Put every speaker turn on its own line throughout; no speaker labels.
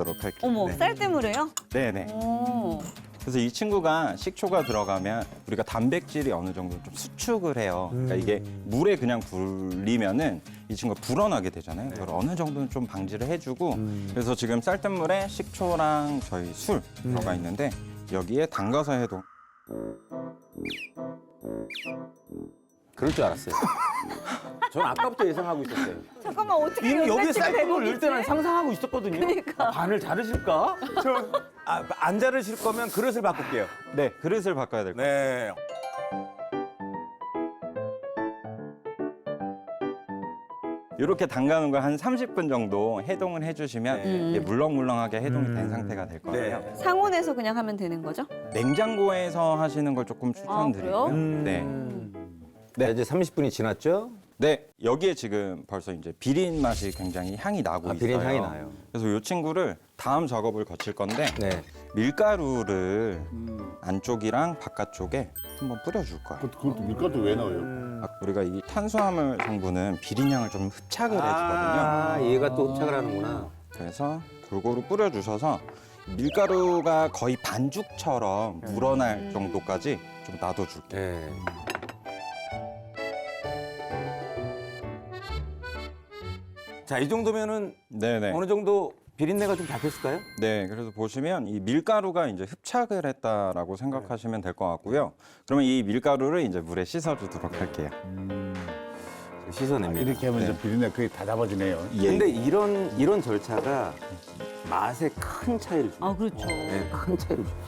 넣어주도록 할게요.
어머,
네.
쌀뜨물에요?
네네.
오.
그래서 이 친구가 식초가 들어가면 우리가 단백질이 어느 정도 좀 수축을 해요. 그러니까 이게 물에 그냥 불리면은 이 친구가 불어나게 되잖아요. 그걸 어느 정도는 좀 방지를 해주고 그래서 지금 쌀뜨물에 식초랑 저희 술 들어가 있는데 여기에 담가서 해도
그럴 줄 알았어요. 전 아까부터 예상하고 있었어요.
잠깐만, 어떻게
이미 여기에
연살치가
쌀뜨물 넣을
대박이지?
때는 상상하고 있었거든요.
그러니까.
반을 자르실까? 안 자르실 거면 그릇을 바꿀게요.
네 그릇을 바꿔야 될 거예요.
네.
이렇게 담가는 걸 한 30분 정도 해동을 해주시면 이게 물렁물렁하게 해동이 된 상태가 될 거예요.
네.
상온에서 그냥 하면 되는 거죠?
냉장고에서 하시는 걸 조금 추천드리고요.
그래요?
네.
네, 이제 30분이 지났죠?
네, 여기에 지금 벌써 이제 비린 맛이 굉장히 향이 나고 있어요.
비린 향이 나요.
그래서 이 친구를 다음 작업을 거칠 건데
네.
밀가루를 안쪽이랑 바깥쪽에 한번 뿌려줄 거예요.
그것도 밀가루 왜 넣어요?
우리가 이 탄수화물 성분은 비린 향을 좀 흡착을 해주거든요.
아, 얘가 또 흡착을 하는구나.
그래서 골고루 뿌려주셔서 밀가루가 거의 반죽처럼 물어날 정도까지 좀 놔둬줄게요.
네. 자, 이 정도면은
네네.
어느 정도 비린내가 좀 잡혔을까요?
네, 그래서 보시면 이 밀가루가 이제 흡착을 했다라고 생각하시면 될 것 같고요. 그러면 이 밀가루를 이제 물에 씻어주도록 할게요.
씻어냅니다.
이렇게 하면 이제 비린내 거의 다 잡아지네요.
근데 이런 절차가 맛에 큰 차이를 줍니다.
아, 그렇죠.
네, 큰 차이를 줍니다.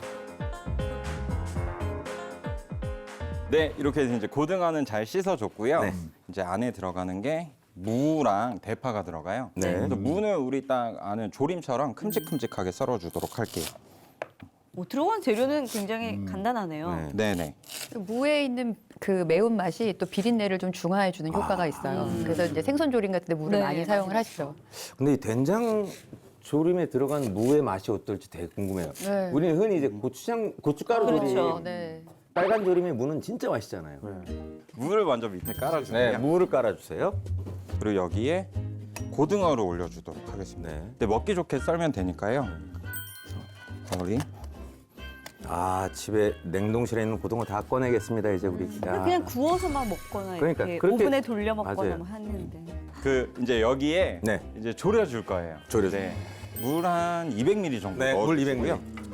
네, 이렇게 해서 이제 고등어는 잘 씻어줬고요.
네.
이제 안에 들어가는 게 무랑 대파가 들어가요.
네.
그래서 무는 우리 딱 아는 조림처럼 큼직큼직하게 썰어주도록 할게요.
들어간 재료는 굉장히 간단하네요.
네.
네네.
무에 있는 그 매운맛이 또 비린내를 좀 중화해주는 효과가 있어요. 그래서 이제 생선 조림 같은 데 무를
네,
많이 사용을 하시죠.
근데 이 된장 조림에 들어간 무의 맛이 어떨지 되게 궁금해요.
네.
우리는 흔히 이제 고춧가루
그렇죠.
조림,
네.
빨간 조림의 무는 진짜 맛있잖아요.
무를 먼저 밑에 깔아주고요.
네, 무를 깔아주세요.
그리고 여기에 고등어를 올려주도록 하겠습니다.
네.
근데 먹기 좋게 썰면 되니까요. 우리
아, 집에 냉동실에 있는 고등어 다 꺼내겠습니다, 이제 우리. 야.
그냥 구워서만 먹거나
그러니까,
이렇게
그렇게-
오븐에 돌려 먹거나
맞아요.
뭐 하는데.
이제 여기에
네.
이제 졸여줄 거예요.
졸여줄
네. 물 한 200ml 정도
네, 물
넣어주고요.
200ml.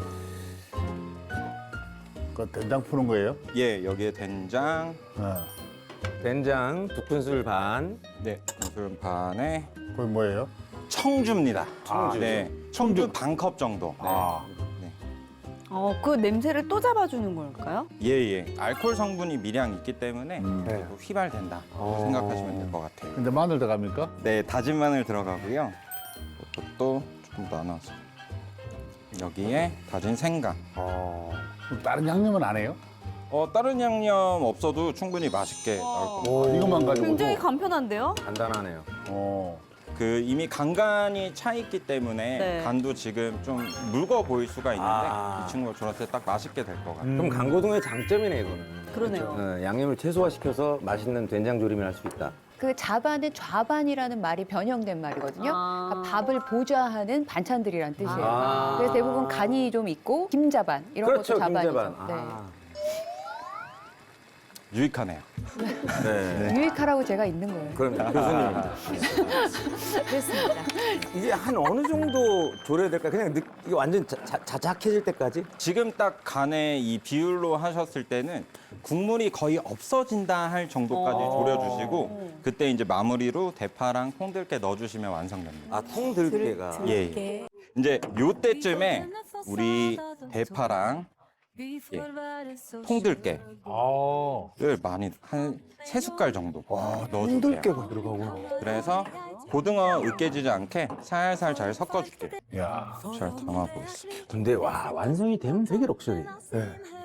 그 된장 푸는 거예요?
예, 여기에 된장,
된장 2큰술 반.
네, 무술 반에
그게 뭐예요?
청주입니다.
청주.
네, 청주 반컵 정도. 네.
아.
네.
그 냄새를 또 잡아주는 걸까요?
예, 예. 알코올 성분이 미량 있기 때문에
네.
휘발된다 생각하시면 될 것 같아요.
근데 마늘 들어갑니까?
네, 다진 마늘 들어가고요. 이것도 조금 나눠서 여기에 다진 생강.
그럼 다른 양념은 안 해요?
다른 양념 없어도 충분히 맛있게 나올 겁니다.
이것만 가지고.
굉장히 간편한데요?
간단하네요.
이미 간간이 차 있기 때문에
네.
간도 지금 좀 묽어 보일 수가 있는데
아.
이 친구가 저럴 때 딱 맛있게 될 것 같아요.
그럼 강고등어의 장점이네, 이거는.
그러네요.
양념을 최소화시켜서 맛있는 된장 조림을 할 수 있다.
그 자반은 좌반이라는 말이 변형된 말이거든요.
아.
그러니까 밥을 보좌하는 반찬들이란 뜻이에요.
아.
그래서 대부분 간이 좀 있고 김자반 이런
그렇죠,
것도 자반이죠.
김자반.
네.
유익하네요.
네.
유익하라고 제가 있는 거예요.
그럼 교수님입니다.
그렇습니다.
이게 한 어느 정도 졸여야 될까? 그냥 이게 완전 자작해질 때까지?
지금 딱 간의 이 비율로 하셨을 때는 국물이 거의 없어진다 할 정도까지 졸여주시고 그때 이제 마무리로 대파랑 콩들깨 넣어주시면 완성됩니다.
아, 통들깨가.
예, 예. 이제 요때쯤에 우리 대파랑 콩들깨를 많이 한 3숟갈 정도 넣어줄게요.
통들깨가 들어가구나.
그래서 고등어 으깨지지 않게 살살 잘 섞어줄게요.
야.
잘 담아보겠습니다.
근데 와, 완성이 되면 되게 럭셔리.